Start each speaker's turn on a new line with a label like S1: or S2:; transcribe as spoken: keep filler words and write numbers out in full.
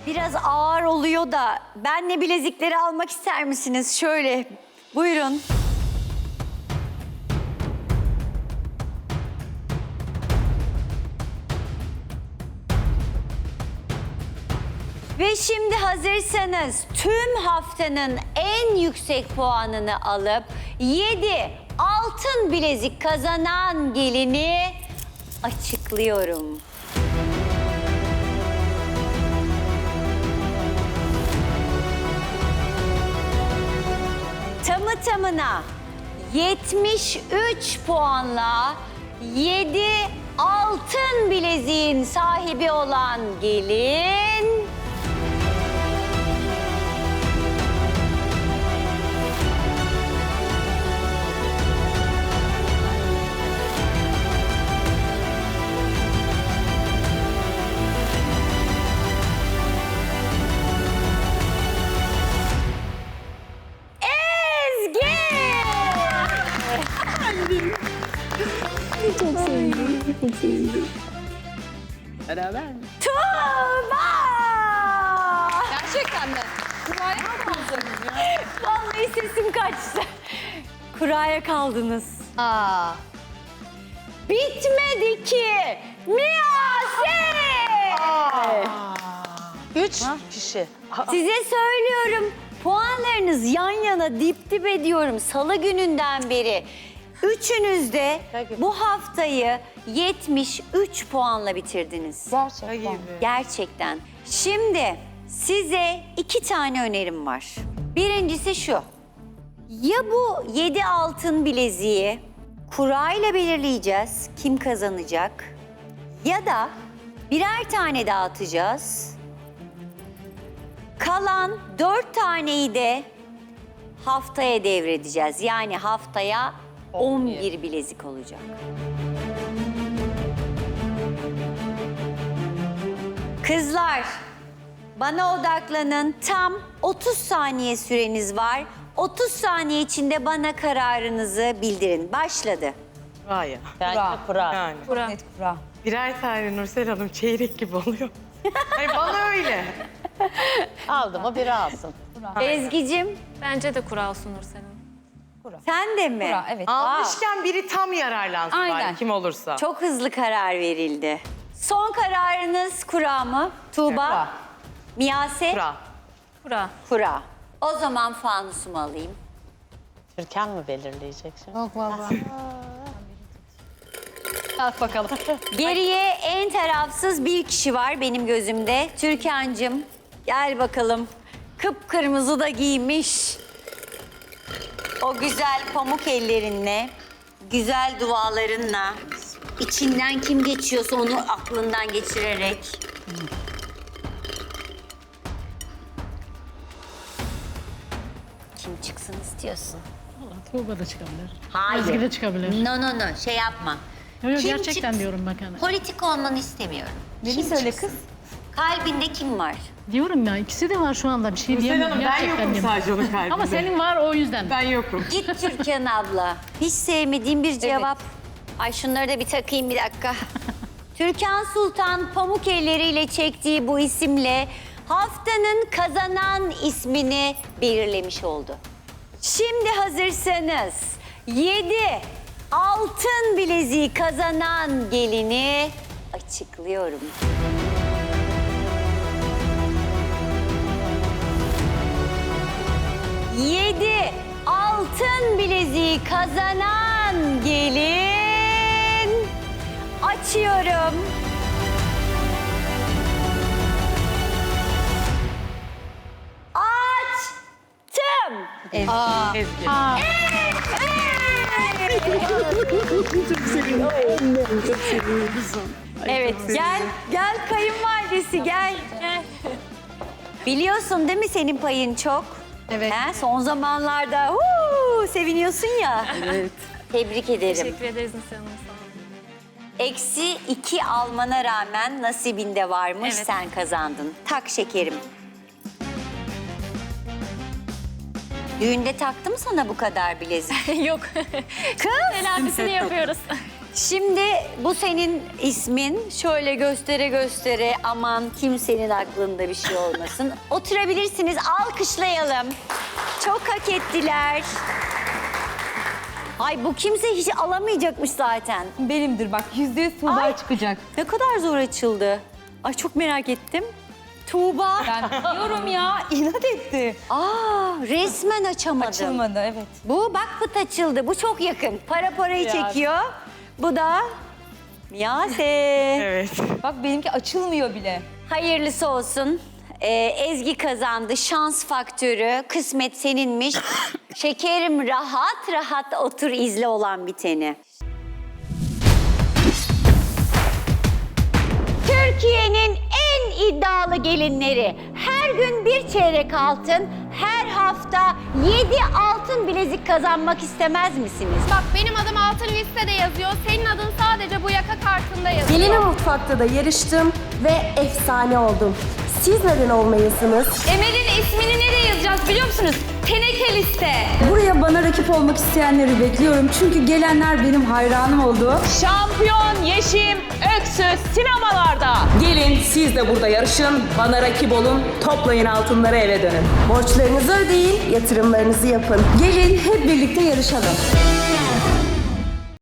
S1: Biraz ağır oluyor da benle bilezikleri almak ister misiniz? Şöyle buyurun. Ve şimdi hazırsanız tüm haftanın en yüksek puanını alıp yedi altın bilezik kazanan gelini açıklıyorum. Tamı tamına yetmiş üç puanla yedi altın bileziğin sahibi olan gelin
S2: Çok sevindim, çok sevindim. Beraber mi?
S1: Tuğba!
S3: Gerçekten mi? Kuraya mı kaldınız ya?
S1: Vallahi sesim kaçtı. Kuraya kaldınız.
S3: Aa.
S1: Bitmedi ki. Miyase!
S3: Üç kişi.
S1: Size söylüyorum. Puanlarınız yan yana dip dip ediyorum. Salı gününden beri. Üçünüz de bu haftayı yetmiş üç puanla bitirdiniz.
S3: Gerçekten.
S1: Gerçekten. Şimdi size iki tane önerim var. Birincisi şu. Ya bu yedi altın bileziği kurayla belirleyeceğiz kim kazanacak. Ya da birer tane dağıtacağız. Kalan dört taneyi de haftaya devredeceğiz. Yani haftaya on bir bilezik olacak. Kızlar, bana odaklanın. Tam otuz saniye süreniz var. otuz saniye içinde bana kararınızı bildirin. Başladı.
S2: Kuraya.
S4: Bence kura.
S2: Yani.
S3: Kura.
S5: Net kura.
S2: Birer tane Nursel Hanım çeyrek gibi oluyor. Hayır bana öyle.
S4: Aldı mı biri alsın.
S1: Ezgi'cim,
S6: Bence de kura olsun Nursel Hanım.
S1: sen de mi?
S5: Kura, evet.
S2: Almışken biri tam yararlansın
S5: Aynen.
S2: bari kim olursa.
S1: Çok hızlı karar verildi. Son kararınız kura mı? Tuğba?
S5: Kura.
S1: Miyase?
S2: Kura.
S6: Kura.
S1: Kura. O zaman fanusumu alayım.
S4: Türkan mı belirleyecek şimdi?
S5: Yok baba.
S3: Kalk bakalım.
S1: Geriye en tarafsız bir kişi var benim gözümde. Türkan'cığım gel bakalım. Kıpkırmızı da giymiş. O güzel pamuk ellerinle, güzel dualarınla, içinden kim geçiyorsa onu aklından geçirerek. Kim çıksın istiyorsun?
S7: Tuğba da çıkabilir.
S1: Hayır.
S7: Ezgi de çıkabilir.
S1: No no no şey yapma.
S7: Yok yok
S1: Kim
S7: gerçekten
S1: çık-
S7: diyorum bak hani.
S1: Politik olmanı istemiyorum.
S5: Beni
S1: Kim
S5: söyle
S1: çıksın?
S5: kız.
S1: Kalbinde kim var?
S7: Diyorum ya ikisi de var şu anda bir şey
S2: Nursel
S7: diyemiyorum.
S2: Hanım ben
S7: Gerçekten
S2: yokum
S7: diyorum.
S2: sadece onun kalbinde.
S7: Ama senin var o yüzden.
S2: Ben yokum.
S1: Git Türkan abla. Hiç sevmediğim bir cevap. Ay şunları da bir takayım bir dakika. Türkan Sultan pamuk elleriyle çektiği bu isimle haftanın kazanan ismini belirlemiş oldu. Şimdi hazırsanız yedi altın bileziği kazanan gelini açıklıyorum. Yedi altın bileziği kazanan gelin açıyorum. Açtım.
S2: Ezgi.
S1: Evet gel gel kayınvalidesi gel. Biliyorsun değil mi senin payın çok?
S3: Evet.
S1: He, son zamanlarda huu, seviniyorsun ya. Evet. Tebrik ederim.
S6: Teşekkür ederiz Nursel Hanım. Sağ olun.
S1: Eksi iki almana rağmen nasibinde varmış,
S6: Evet.
S1: sen kazandın. Tak şekerim. Düğünde taktı mı sana bu kadar bilezik?
S6: Yok.
S1: Kız!
S6: Telafisini yapıyoruz.
S1: Şimdi bu senin ismin. Şöyle göstere göstere, aman kimsenin aklında bir şey olmasın. Oturabilirsiniz, alkışlayalım. Çok hak ettiler. Ay bu kimse hiç alamayacakmış zaten.
S3: Benimdir bak. Yüzde yüz Tuğba
S1: Ay.
S3: çıkacak.
S1: Ne kadar zor açıldı. Ay çok merak ettim. Tuğba.
S3: Ben diyorum ya. İnat etti.
S1: Aa, resmen açamadım.
S3: Açılmadı evet.
S1: Bu bak pıt açıldı. Bu çok yakın. Para parayı
S3: Ya.
S1: çekiyor. Bu da Miyase.
S2: Evet.
S3: Bak benimki açılmıyor bile.
S1: Hayırlısı olsun. Ee, Ezgi kazandı. Şans faktörü. Kısmet seninmiş. Şekerim rahat rahat otur izle olan biteni. Türkiye'nin en iddialı gelinleri. Her gün bir çeyrek altın, her hafta yedi altın bilezik kazanmak istemez misiniz?
S5: Bak benim adım altın listede yazıyor. Senin adın sadece bu yaka kartında yazıyor.
S8: Gelin mutfakta da yarıştım ve efsane oldum. Siz neden olmayasınız?
S5: Emel'in ismini nereye yazacağız biliyor musunuz? Teneke liste.
S9: Buraya bana rakip olmak isteyenleri bekliyorum. Çünkü gelenler benim hayranım oldu.
S10: Şampiyon Yeşim Öksüz sinemalarda. Gelin siz de burada yarışın, bana rakip olun, toplayın altınları eve dönün.
S8: Borçlarınızı ödeyin, yatırımlarınızı yapın.
S9: Gelin hep birlikte yarışalım.